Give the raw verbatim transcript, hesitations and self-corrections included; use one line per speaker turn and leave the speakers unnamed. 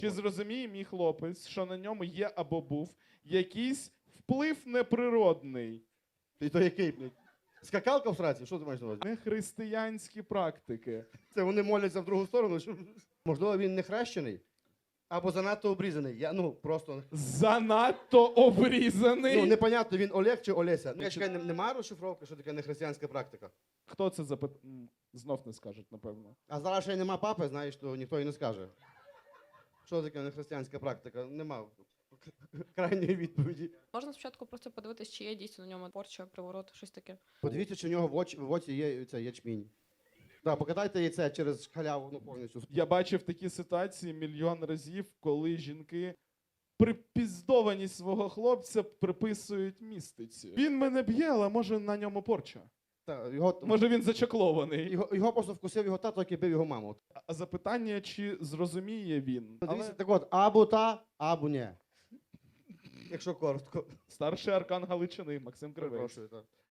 Чи зрозуміє мій хлопець, що на ньому є або був якийсь вплив неприродний,
І то який, блядь? Скакалка в сраці? Що ти маєш на увазі?
нехристиянські практики?
Це вони моляться в другу сторону? Що... Можливо, він не хрещений? Або занадто обрізаний. Я, ну, просто...
Занадто обрізаний.
Ну, непонятно, він Олег чи Олеся. Ну, я чекаю, не- немає розшифровки, що таке нехристиянська практика?
Хто це запит... М, Знов не скажуть, напевно.
А зараз ще й нема папи, знаєш, то ніхто і не скаже. Що таке нехристиянська практика? Нема крайньої відповіді.
Можна спочатку просто подивитись, чи є дійсно на ньому порча, приворот, щось таке.
Подивіться, чи в нього в оці, в оці є цей ячмінь. Так, покатайте яйце через халяву, ну, повністю.
Я бачив такі ситуації мільйон разів, коли жінки припіздованість свого хлопця приписують містиці. Він мене б'є, але може на ньому порча.
Та, його,
Може він зачаклований.
його, його просто вкусив його тато, який бив його маму.
А запитання, чи зрозуміє він?
Дивіться,
Але
так от, або та, або ні. Якщо коротко.
старший аркан Галичини Максим Кривий.
Перепрошую, так.